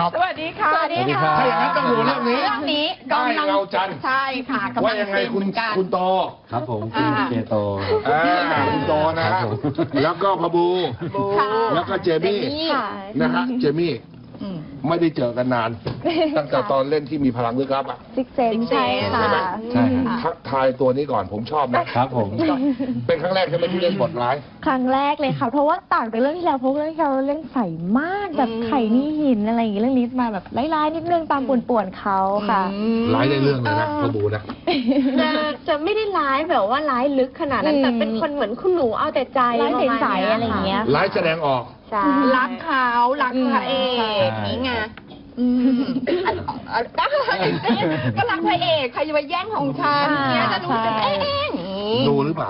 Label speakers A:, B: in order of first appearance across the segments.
A: ครับ
B: สวัสดีค่ะ
C: สวัสดีค่ะ
A: ถ้าอย่างนั้นต้องดูเรื่องนี้
B: เรื่องนี้
A: ได้เงาจันทร์
B: ใช่ค่ะกำ
A: ว่า
B: ลัง
A: ยังไง
B: เป็น
A: คุณ
B: เหมือนกัน
A: คุณโต
C: ครับผมคุณเคโต
A: คุณโตนะ
C: ครั
A: ฮะ
C: บผม
A: แล้วก็พบู
B: ค่ะ
A: แล้วก็เจมี่
D: ค่ะ
A: นะฮะเจมี่
B: อืม
A: ไม่ได้เจอกันนาน ตั้งแต่ตอนเล่นที่มีพลังลึกลับอ่ะ
D: ซิกเซน
B: Six
D: ใช่
B: Sense
D: ค่ะ
A: ใช่ไหม
C: ใช่ครับ
A: ทักทายตัวนี้ก่อนผมชอบนะครับ
C: ผม
A: เป็นครั้งแรกใช่ไหมที่เล่นบทร้าย
D: ครั้งแรกเลยค่ะ เพราะว่าต่างจากเรื่องที่แล้วเพราะเรื่องที่เราเล่นใสมากแบบไข่นี่หินอะไรอย่างเงี้ยเรื่องนี้มาแบบร้ายๆนิดนึงตามป่วนๆเขาค่ะ
A: ร้ายในเรื่องเลยนะพบูนะ
E: จะไม่ได้ร้ายแบบว่าร้ายลึกขนาดนั้น
D: อืม
E: แต่เป็นคนเหมือนคุณหนูเอาแต่ใจ
D: ร้าย
E: ประมาณ
D: ใสๆ
E: นี้
D: อะไรอย่างเงี้ย
A: ร้ายแสดงออก
E: ใช่
B: รักเขารักพระเอกนี่ไงอืมก็รักพระเอกใครจะมาแย่งของฉันเนี่ยจะรู้สึกเอ๊ะอย่างงี้
A: ดูหรือเปล่า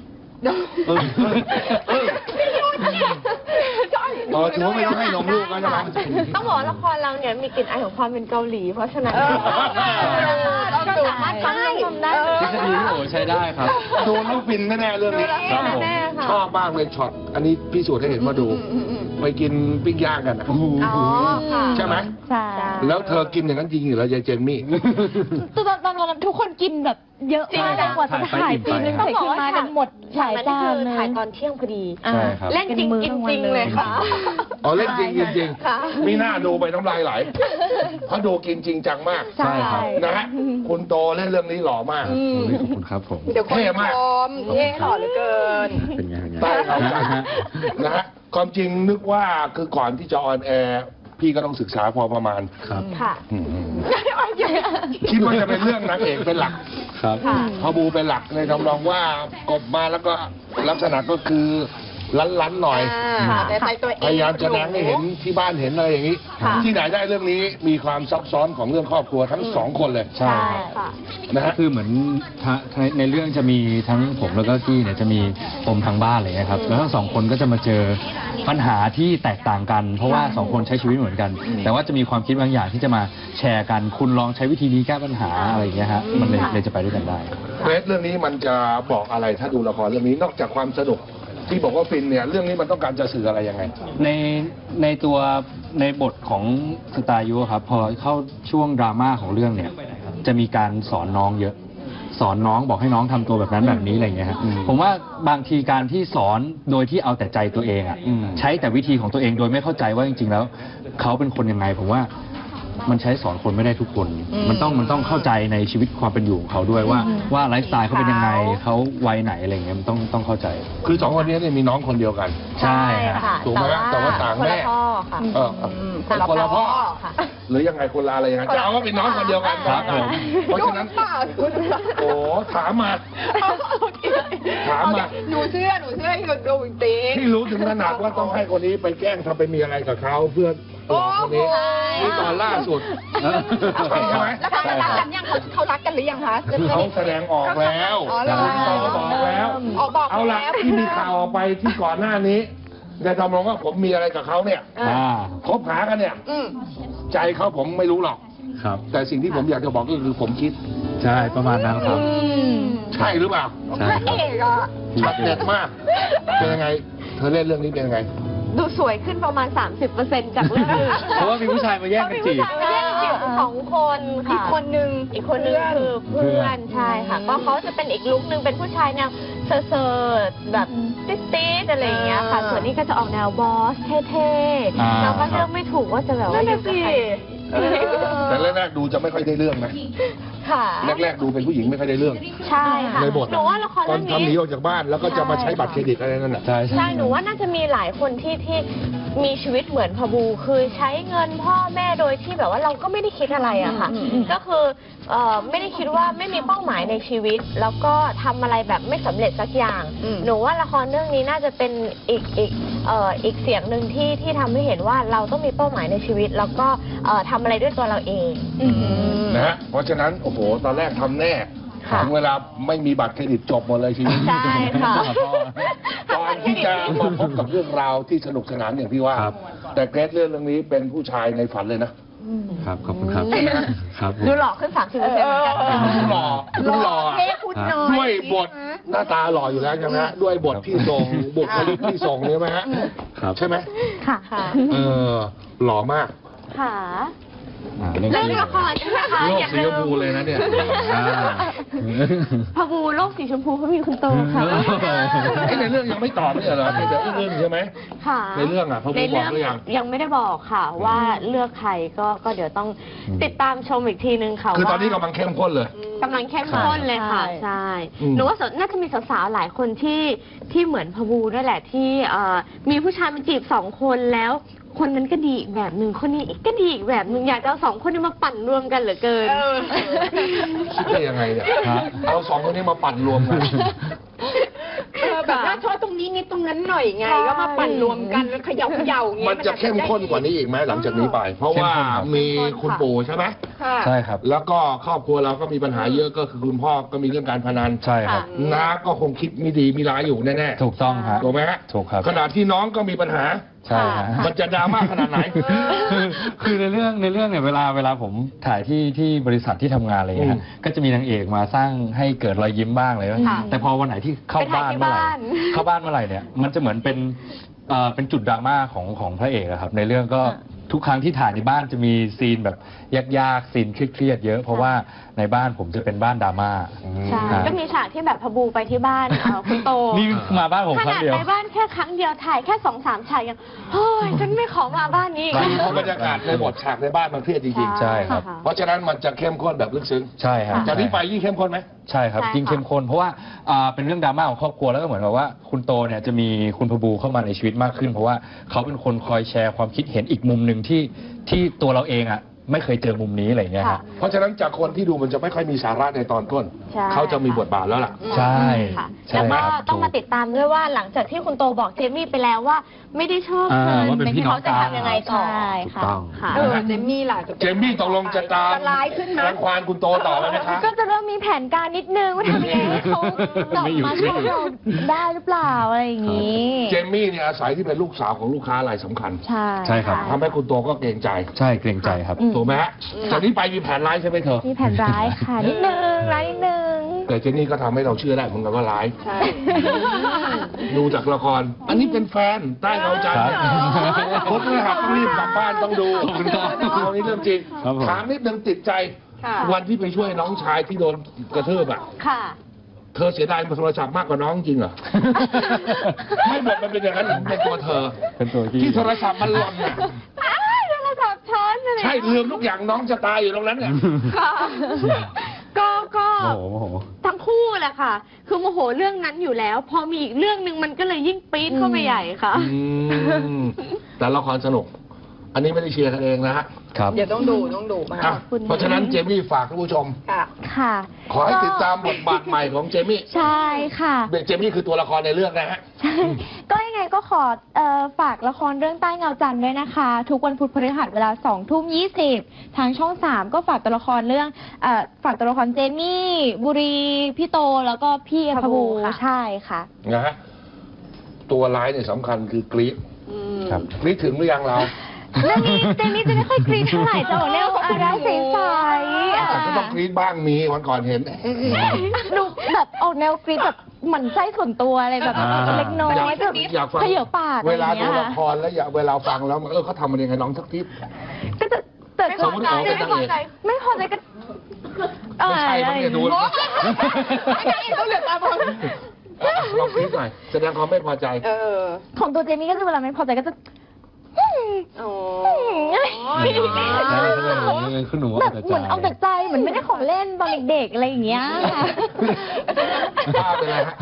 A: อ๋อถือว่าไม่ต้องให้นมลูกแล้วใช่ไหม
E: ต้องบอกว่าละครเราเนี่ยมีกลิ่นอายของความเป็นเกาหลี เพราะฉะนั้น
B: เราดูมาก
E: ใช่ทำได้
C: ทฤษฎีพี่โอใช้ได้ครับ
A: ดูแล้วฟินแน่ๆเรื่องนี้
C: ครับผม
E: แน่ค่ะ
A: ชอบมากเลยช็อต อันนี้พิสูจน์ให้เห็นว่าดู ไปกินปิ้งย่างกันอะ
E: อ๋อค่ะ
A: ใช่ไหม
D: ใช่
A: แล้วเธอกินอย่างนั้นจริงเหรอยายเจนมี่
D: ตอนนั้นทุกคนกินแบบเยอะมากเลยกว่าจะถ่ายซีนนึงเสร็จขึ้นมากันหมดหลาย
E: นั้น
D: จา
E: คื
D: น
E: อ
D: เลย
E: ถ่ายตอนเที่ยงพอดี
C: ใช่ครับ
E: เล่นจริงกินจริงเลยค่ะ
A: อ๋อเล่นจริงกินจริง
E: ค่ะ
A: มีหน้าดูไปน้ำลายไหล เพราะดูกินจริงจังมาก
D: ใช่
C: ครับ
A: นะฮะ คุณโตเล่นเรื่องนี้หล่อมาก
C: ขอบคุณครับผม
B: เดี๋ยวคน
A: เท่มาก
B: ชมเท่หล่อเหลือเกิน
C: เป็นไงเป็นไง
A: ใต้เขาใจนะฮะ ความจริงนึกว่าคือก่อนที่จะออนแอร์พี่ก็ต้องศึกษาพอประมาณ
C: ครับ
E: ค่ะ
A: คิดว่าจะเป็นเรื่องนางเอกเป็นหลัก
C: ครับ
E: ค่ะ
A: พอบูเป็นหลักในทำนองว่ากบมาแล้วก็ลักษณะก็คือลั้นๆหน่อย
B: แต่ใจตัวเอง
A: พยายามจะแสดงให้เห็นที่บ้านเห็นอะไรอย่างนี้
E: ค่ะ
A: ที่ไหนได้เรื่องนี้มีความซับซ้อนของเรื่องครอบครัวทั้งสองคนเลย
C: ใช่
E: ใช่
C: ครับ
E: ค่ะ
A: นะฮะ
C: คือเหมือนในเรื่องจะมีทั้งผมแล้วก็กี้เนี่ยจะมีปมทางบ้านอะไรเลยครับ แล้วทั้งสองคนก็จะมาเจอปัญหาที่แตกต่างกัน เพราะว่าสองคนใช้ชีวิตเหมือนกัน แต่ว่าจะมีความคิดบางอย่างที่จะมาแชร์กัน คุณลองใช้วิธีนี้แก้ปัญหาอะไรอย่างเงี้ยฮะ มันเลยจะไปด้วยกันได้
A: เรสเรื่องนี้มันจะบอกอะไรถ้าดูละครเรื่องนี้นอกจากความสนุกที่บอกว่าฟินเนี่ยเรื่องนี้มันต้องการจะสื่ออะไรยังไง
C: ในตัวในบทของสตาร์ยุครับ พอเข้าช่วงดราม่าของเรื่องเนี่ย จะมีการสอนน้องเยอะ สอนน้องบอกให้น้องทำตัวแบบนั้นแบบนี้อะไรอย่างเงี้ยครับผมว่าบางทีการที่สอนโดยที่เอาแต่ใจตัวเองอ่ะใช้แต่วิธีของตัวเองโดยไม่เข้าใจว่าจริงๆแล้วเขาเป็นคนยังไงผมว่ามันใช้สอนคนไม่ได้ทุกคน มันต้องเข้าใจในชีวิตความเป็นอยู่ของเขาด้วยว่าไลฟ์สไตล์เขาเป็นยังไงเขาวัยไหนอะไรอย่างเงี้ยมันต้องเข้าใจ
A: คือสองคนนี้เนี่ยมีน้องคนเดียวกัน
C: ใช่
E: ค่ะ
A: ถูกไหมแต่ว่าต่างแม่
E: คนละพ่อค่ะ
A: เออคนละพ่อ
E: ค่ะ
A: หรือยังไงคนละอะไรยังไงจะเอาว่าเป็นน้องคนเดียวกัน
C: ครับผม
A: เพราะฉะนั้น โอ้ถามมา ถามมา
B: หนูเชื่อให้คนดูจริง
A: ที่รู้ถึงขนาดว่าต้องให้คนนี้ไปแกล้งทำไปมีอะไรกับเขาเพื่อหลอกคนนี้นี่ตอนล่าสุดใช่ไหม
B: แล้วเขารักกันยังเขารักกันหรือยังคะ
A: เขาแสดงออกแล้ว
B: อ๋อเหรอ
A: เขาบอกแล้ว
B: อ๋อบอก
A: เอาละ
B: แล้ว
A: ที่มีข่าวออกไปที่ก่อนหน้านี้ในทำนองว่าผมมีอะไรกับเขาเนี่ย คบหากันเนี่ย
B: อืม
A: ใจเขาผมไม่รู้หรอก
C: ครับ
A: แต่สิ่งที่ผมอยากจะบอกก็คือผมคิด
C: ใช่ประมาณนั้นครับ
A: ใช่หรือเปล่า
C: ใช่
B: พระ
C: ครับ
B: เอกอ่ะ
A: ชัดเด็ดมาก เป็นยังไง เธอเล่นเรื่องนี้เป็นยังไง
E: ดูสวยขึ้นประมาณ 30%จากเรื่องอื่น
C: เพราะว่ามีผู้ชายมาแย่งกันจีบ
E: แย่งกันจีบสองคนค่ะ
B: อีกคนนึง
E: อีกคนนึงคือเพื่อนใช่ค่ะ ก็เขาจะเป็นอีกลุคนึงเป็นผู้ชายแนวเซอร์ๆแบบติ๊ดๆอะไรอย่างเงี้ยค่ะ ส่วนนี้ก็จะออกแนวบอสเท่ๆเราก็เลือกไม่ถูกว่าจะแบบว่าอยู่กับใคร
A: แต่แรกๆดูจะไม่ค่อยได้เรื่องนะ
E: ค่ะ
A: แรกๆดูเป็นผู้หญิงไม่ค่อยได้เรื่อง
E: ใช่ค่ะ
A: ในบท
E: หนูว่าละคร
A: ตอ
E: เรื่
A: น
E: อง
A: ทำหนี
E: นี้
A: ออกจากบ้านแล้วก็จะมาใช้บัตรเครดิตอะไรนั่นน่ะ
C: ใช่
E: ใช่หนูว่าน่าจะมีหลายคนที่มีชีวิตเหมือนพบูคือใช้เงินพ่อแม่โดยที่แบบว่าเราก็ไม่ได้คิดอะไรอะค่ะ ก็คือไม่ได้คิดว่าไม่มีเป้าหมายในชีวิต แล้วก็ทำอะไรแบบไม่สำเร็จสักอย่าง หนูว่าละครเรื่องนี้น่าจะเป็นอีกเสียงหนึ่งที่ทำให้เห็นว่าเราต้องมีเป้าหมายในชีวิต แล้วก็ทำอะไรด้วยตัวเราเอง
A: นะฮะ เพราะฉะนั้นโอ้โหตอนแรกทำแน่
E: ค่ะ
A: ถึงเวลาไม่มีบัตรเครดิตจบหมดเลยชีวิต
E: ใช่ค่ะ
A: ตอนที่จะมาพบกับเรื่องราวที่สนุกสนานอย่างที่ว่า
C: ครับ
A: แต่เกรซเรื่องนี้เป็นผู้ชายในฝันเลยนะ
C: ครับขอบคุณครับ
A: ใช่ไหมฮะ
C: ครับผม
E: ดูหล่อขึ้น 30%เหมือนกันค่ะ
A: ดูหล่อดูหล่อ
B: เท่พูดน้อย
A: ด้วยบทหน้าตาหล่ออยู่แล้วใช่ไหมฮะด้วยบทที่ส่งบุคลิกที่ส่งเนี่ยไหมฮะ
C: ครับ
A: ใช่ไหม
D: ค่ะ
E: ค่ะ
A: เออหล่อมาก
E: ค่ะ
C: เรื่อง
E: เรื่องละครใช่ไหมคะ
A: โลก
E: อย่า
A: สี
E: ลื
A: ชม
E: ม
A: พูเลยนะเนี่ย
E: พะบูโลกสีชมพูเขามีคุณโตค่ะ
A: ไอ้ในเรื่องยังไม่ตอบเนี่ยเหรอเป็นแต่อึ้งๆใช่ไหม
E: ค่ะ
A: ในเรื่องอ่ะพะบู
E: ใน
A: บอ
E: เรื่
A: กหรือยัง
E: ยังไม่ได้บอกค่ะ ว่าเลือกใครก็เดี๋ยวต้องติดตามชมอีกทีนึงค่ะ
A: คือตอนนี้
E: ว่าก
A: ำลังเข้มข้นเลย
E: กำลังเข้มข้นเลยค่ะ ใช่
A: อืม
E: หนูว่าน่าจะมีสาวๆหลายคนที่เหมือนพะบูด้วยแหละที่มีผู้ชายมาจีบ2 คนแล้ว คนนั้นก็ดีอีกแบบหนึ่งคนนี้ก็ดีอีกแบบหนึ่งอยากจะเอา2 คนนี้มาปั่นรวมกันเหลือเกิน
A: คิดได้ยังไงเนี่ย
C: ฮะ
A: เอาสองคนนี้มาปั่นรวมกัน
B: แบบว่าชอบตรงนี้นิดตรงนั้นหน่อยไง
E: ใช่
B: ก็มาปั่นรวมกันแล้วเขย่าอย่างเงี้ย
A: มันจะเข้มข้นกว่านี้อีกไหมหลังจากนี้ไป เพราะว่า
C: เข้มข้นครับ
A: มีคุณปู่ใช่ไหม
B: ค่ะ
C: ใช่ครับ
A: แล้วก็ครอบครัวเราก็มีปัญหาเยอะก็คือคุณพ่อก็มีเรื่องการพนัน
C: ใช่ครับ
A: น้าก็คงคิดไม่ดีมีร้ายอยู่แน่
C: ถูกต้องฮะ
A: ๆถูกไหมฮะ
C: ถูกครับ
A: ขณะที่น้องก็มีปัญหา
C: ใช่ฮะ
A: มันจะดราม่าขนาดไหน
C: คือในเรื่องเนี่ยเวลาผมถ่ายที่บริษัทที่ทำงานอะไรอย่างเงี้ยฮะก็จะมีนางเอกมาสร้างให้เกิดรอยยิ้มบ้างเลย
E: ค่ะ
C: แต่พอวันไหนที่เข้าบ้านเมื่อไหร่
E: ไปถ่ายที่บ้าน
C: เข้าบ้านเมื่อไหร่เนี่ยมันจะเหมือนเป็นจุดดราม่าของพระเอกอะครับในเรื่องก็ทุกครั้งที่ถ่ายในบ้านจะมีซีนแบบยากๆซีนเครียดๆเยอะ เพราะว่าในบ้านผมจะเป็นบ้านดราม่า
E: ใช่
C: ครับ
E: ก็มีฉากที่แบบพะบูไปที่บ้านคุณโต
C: นี่มาบ้านผม
E: ข
C: ครั้
E: นาง ด
C: เดียว
E: ไปบ้านแค่ครั้งเดียวถ่ายแค่2-3 ฉากยังเฮ้ยฉันไม่ขอมาบ้านนี้อีก
A: บาง
E: แล้ว
A: ทีบรรยากาศในบทฉากในบ้านมันเครียดจริง
C: ใช่ครับ
A: ๆ เพราะฉะนั้นมันจะเข้มข้นแบบลึกซึ้ง
C: ใช่ครับ
A: จากนี้ไปยิ่งเข้มข้นไหม
C: ใช่ครับ
E: ใช่ค่ะ
C: ยิ่งเข้มข้นเพราะว่าเป็นเรื่องดราม่าของครอบครัวแล้วก็เหมือนกับว่าคุณโตเนี่ยจะมีคุณพบูเข้ามาในชีวิตมากขึ้น เพราะว่าเขาเป็นคนคอยแชร์ความคิดเห็นอีกมุมหนึ่งที่ตัวเราเองอ่ะไม่เคยเจอมุมนี้อะไรอย่างเงี้ยครับ
A: เพราะฉะนั้นจากคนที่ดูมันจะไม่ค่อยมีสาระในตอนต้น
E: ใช่
A: เขาจะมีบทบาทแล้วล่ะ
C: ใช่
E: ค่ะ
C: ใช่
E: แล้วก็
C: ครับ
E: ต้องมาติดตามด้วยว่าหลังจากที่คุณโตบอกเจมี่ไปแล้วว่าไม่ได้ชอบเธอ
C: ว่าเป็นพี่น้อง
E: เขาจะทำยังไงต่อ
D: ใช่
C: ถูก
D: ค่ะ
C: ต้อง
E: ค่ะ
B: เจมมี่ล่ะ
A: เจมมี่ตกลงจะตาม
B: จะร้ายขึ้นไหม
A: รังควานคุณโตต่อไหมนะคะ
D: ก็จะเริ่มมีแผนการนิดนึงว่าทำยังไงให้เขากลับมาชอบเราได้หรือเปล่าอะไรอย่างนี้
A: เจมมี่เนี่ยอาศัยที่เป็นลูกสาวของลูกค้ารายสำคัญ
D: ใช่
C: ใช่ครับ
A: ทำให้คุณโตก็เกรงใจ
C: ใช่เกรงใจครับ
A: ถูกไหมฮะจากนี้ไปมีแผนร้ายใช่ไหมเธอ
D: มีแผนร้ายค่ะ นิดนึงร้ายนิดนึง
A: แต่เจนนี่ก็ทำให้เราเชื่อได้เหมือนกันว่าร้าย
B: ใช่
A: ดูจากละคร อันนี้เป็นแฟนใต้เงาจันทร์เนี่ย
C: ครับ
A: คนเลยครับต้องรีบกลับบ้านต้องดู
C: ขอบคุณครับ
A: เอานี้เรื่องจริง
C: ครับผม
A: ถามนิดนึงติดใจ
B: ค่ะ
A: วันที่ไปช่วยน้องชายที่โดนกระทืบอ่ะ
E: ค่ะ
A: เธอเสียดายโทรศัพท์มากกว่าน้องจริงเหรอ ไม่หมดมันเป็นอย่างนั้นเป็นตัวเธอ
C: เป็นตัวที่
A: ที่โทรศัพท์มันหล่นน่ะ
E: โทรศัพท์ช้อนเลย
A: ใช่ลืมทุกอย่างน้องจะตายอยู่ตรงนั้นเนี่ย
E: ค่ะก็
C: โอ้โห
E: ทั้งคู่แหละค่ะ คือโมโหเรื่องนั้นอยู่แล้ว พอมีอีกเรื่องหนึ่งมันก็เลยยิ่งปี๊ดเข้าไปใหญ่ค่ะ
A: แต่ละครสนุก อันนี้ไม่ได้เชียร์กันเองนะฮะ
C: ครับ
B: เดี๋ยวต้องดูมา
A: อ่ะเพราะฉะนั้นเจมี่ฝากท่านผู้ชม
B: ค่ะ
D: ค่ะ
A: ขอให้ติดตามบทบาทใหม่ของเจมี่
D: ใช่ค่ะ
A: เจมี่คือตัวละครในเรื่องนะฮะ
D: ใช่ ก็ยังไงก็ขอฝากละครเรื่องใต้เงาจันทร์ด้วยนะคะ ทุกวันพุธพฤหัสเวลา20:20ทางช่อง 3 ก็ฝากตัวละครเรื่องฝากตัวละครเจมี่บุรีพี่โตแล้วก็พี่พบู
E: ค่ะ
D: ใช่ค่ะ
A: นะฮะ ตัวร้ายเนี่ยสำคัญคือกรี๊ด
C: ครับ
A: กรี๊ดถึงหรือยังเรา
D: เรื่องนี้เจมี่จะไม่ค่อยกรี๊ดเท่าไหร่จะออกแนวอาระใสๆ
A: แต่ก็ต้องกรี๊ดบ้างมีวันก่อนเห็น
D: ดูแบบออกแนวกรี๊ดแบบหมั่นไส้ส่วนตัวอะไรแบบ เล็กน้อย
A: อยาก
D: แบบ
A: อยากฟัง
D: เขย่าปาก
A: เวลา
D: อะไรอ
A: ดู
D: ย่างเงี้ย
A: ละ
D: ค่ะ
A: ครแล้วอยากเวลาฟังแล้วเขาทำมันยังไงน้องสักที
D: ก็จะแต่
E: ไม่
A: ส
E: พ
A: ม
E: อ
A: มุติ
E: ใจ
A: เอาเป็น
E: ไม่
A: นาง
E: พอ
A: เอก
E: ใจ
D: ไม่พอใจก็
A: ไม่ใช่มั้งเนี่ยดู
B: ต้องเหลือตาบอล
A: ลองกรี๊ดหน่อยแสดงความไม่พอใจ
D: ของตัวเจมี่ก็จะเวลาไม่พอใจก็จะ
B: อ๋อ
C: ขึ้นหนู
D: แบบเหมือนเอาแต่ใจเหมือนไม่ได้ของเล่นตอนเด็กๆอะไรอย่างเงี้ยค่ะ
A: ป้าเป็นไรฮะ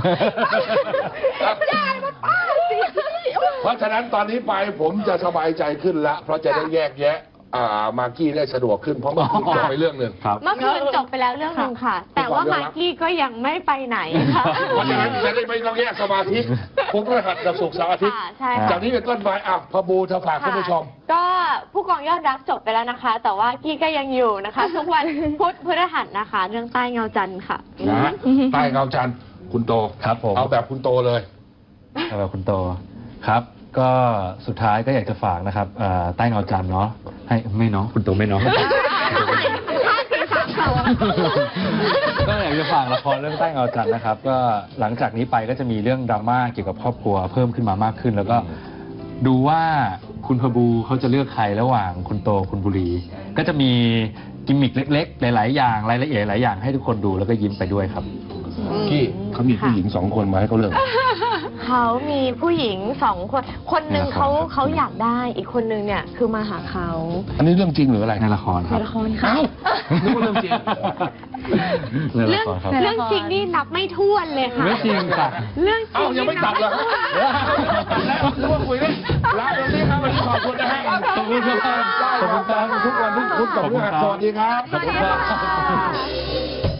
A: เพราะฉะนั้นตอนนี้ไปผมจะสบายใจขึ้นละเพราะจะได้แยกแยะมากกี้ได้สะดวกขึ้นเพราะเมื่อกี้จบไปเรื่องหนึ่ง
C: ครับ
E: เมื่อคืนจบไปแล้วเรื่องหนึ่งค่ะ แต่ว่ามากกี้ก็ยังไม่ไปไหนค่ะ
A: เพราะฉะนั้นจะได้ไม่ต้องแยกสมาธิผมก็หัดกับศุกร์เสาร์อาทิตย์
E: ค่ะใช่ค่ะ
A: จากนี้เป็นต้นไปพะบูเธอฝากท่านผู้ชม
E: ก็ผู้กองยอดรักจบไปแล้วนะคะ แต่ว่ากี้ก็ยังอยู่นะคะ ทุกวันพุธพฤหัสนะคะ เรื่องใต้เงาจันทร์ค่ะ
A: นะฮะใต้เงาจันทร์คุณโต
C: ครับผม
A: เอาแบบคุณโตเลย
C: สำหรับคุณโตครับ ก็สุดท้ายก็อยากจะฝากนะครับใต้เงาจันทร์เนาะให้ไม่เนาะคุณโตไม่เนาะ ก็อยากจะฝากละครเรื่องใต้เงาจันทร์นะครับ ก็หลังจากนี้ไปก็จะมีเรื่องดราม่าเกี่ยวกับครอบครัวเพิ่มขึ้นมามากขึ้น แล้วก็ดูว่าคุณพบูเขาจะเลือกใครระหว่างคุณโตคุณบุรี ก็จะมีกิมมิคเล็กๆ หลายๆอย่างรายละเอียดหลายอย่างให้ทุกคนดูแล้วก็ยิ้มไปด้วยครับ
A: กี้เขามีผู้หญิง2 คนมาให้เขาเลือก
E: เขามีผู้หญิง2 คน คนหนึ่ง
C: ในละครครับ
E: เขาอยากได้ อีกคนนึงเนี่ยคือมาหาเขา
A: อันนี้เรื่องจริงหรืออะไร
C: ในละครครับ
D: ละครค่ะ
A: นึกว่าเรื่องจริง
C: ในละครครับ
D: ในละคร
E: เรื่องจริงนี่นับไม่ถ้วนเลยค่ะ
C: ไม่จริงค่ะ
E: เรื่องจริ
A: เอ้าง ยังไม่ตัดเหรอนึกว่าคุยเล่นลาตรงนี้ครับวันนี้ขอบคุณนะฮะ
C: ขอบคุณครับ
A: ได้ขอบคุณครับทุกวันทุกพุธกับเรื่องสวัสดีครับ
B: สวัสดีค่ะ